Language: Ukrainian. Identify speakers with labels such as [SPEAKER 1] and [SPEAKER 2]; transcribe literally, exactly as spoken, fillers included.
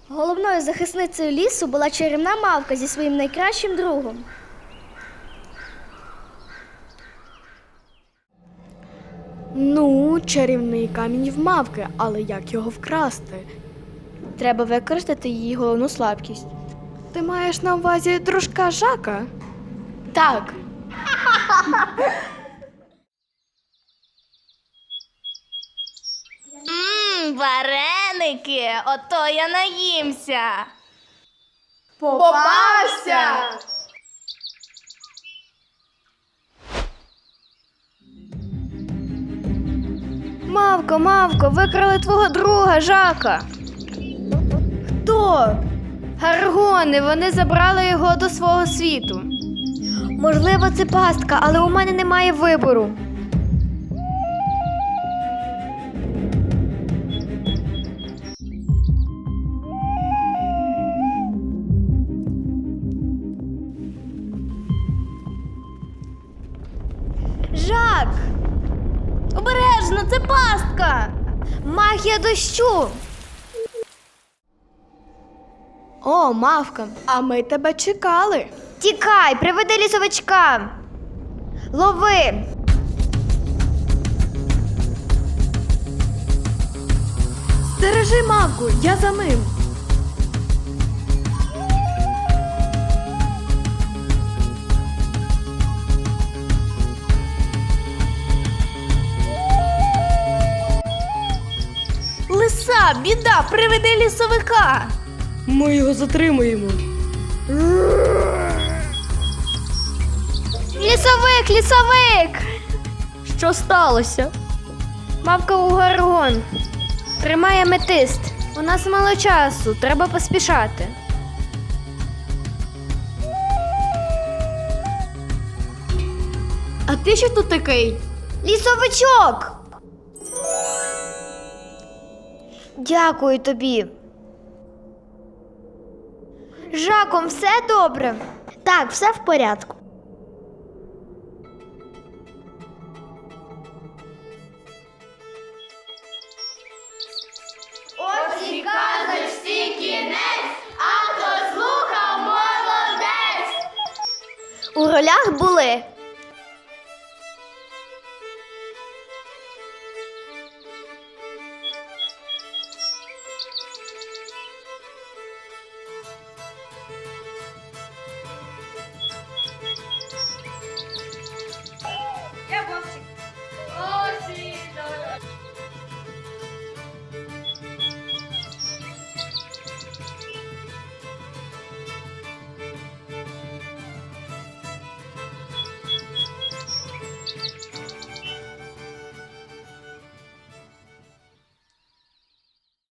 [SPEAKER 1] Головною захисницею лісу була чарівна мавка зі своїм найкращим другом.
[SPEAKER 2] Ну, чарівний камінь в мавки, але як його вкрасти?
[SPEAKER 1] Треба використати її головну слабкість.
[SPEAKER 2] Ти маєш на увазі дружка Жака?
[SPEAKER 1] Так.
[SPEAKER 3] Ммм, вареники, ото я наїмся.
[SPEAKER 2] Попався!
[SPEAKER 1] Мавко, мавко, викрали твого друга Жака. Хто? Гаргони, вони забрали його до свого світу. Можливо, це пастка, але у мене немає вибору. Жак!
[SPEAKER 3] Обережно, це пастка.
[SPEAKER 1] Магія дощу!
[SPEAKER 2] О, мавка, а ми тебе чекали.
[SPEAKER 1] Тікай, приведи лісовичка! Лови!
[SPEAKER 2] Стережи мавку, я за ним.
[SPEAKER 3] Лиса, біда, приведи лісовика.
[SPEAKER 2] Ми його затримуємо.
[SPEAKER 1] Лісовик, лісовик!
[SPEAKER 2] Що сталося?
[SPEAKER 1] Мавка у Гаргон. Тримає аметист. У нас мало часу, треба поспішати.
[SPEAKER 2] А ти що тут такий?
[SPEAKER 1] Лісовичок! Дякую тобі. З Жаком все добре? Так, все в порядку.
[SPEAKER 3] Ось і казочці кінець, а хто слухав, молодець.
[SPEAKER 1] У ролях були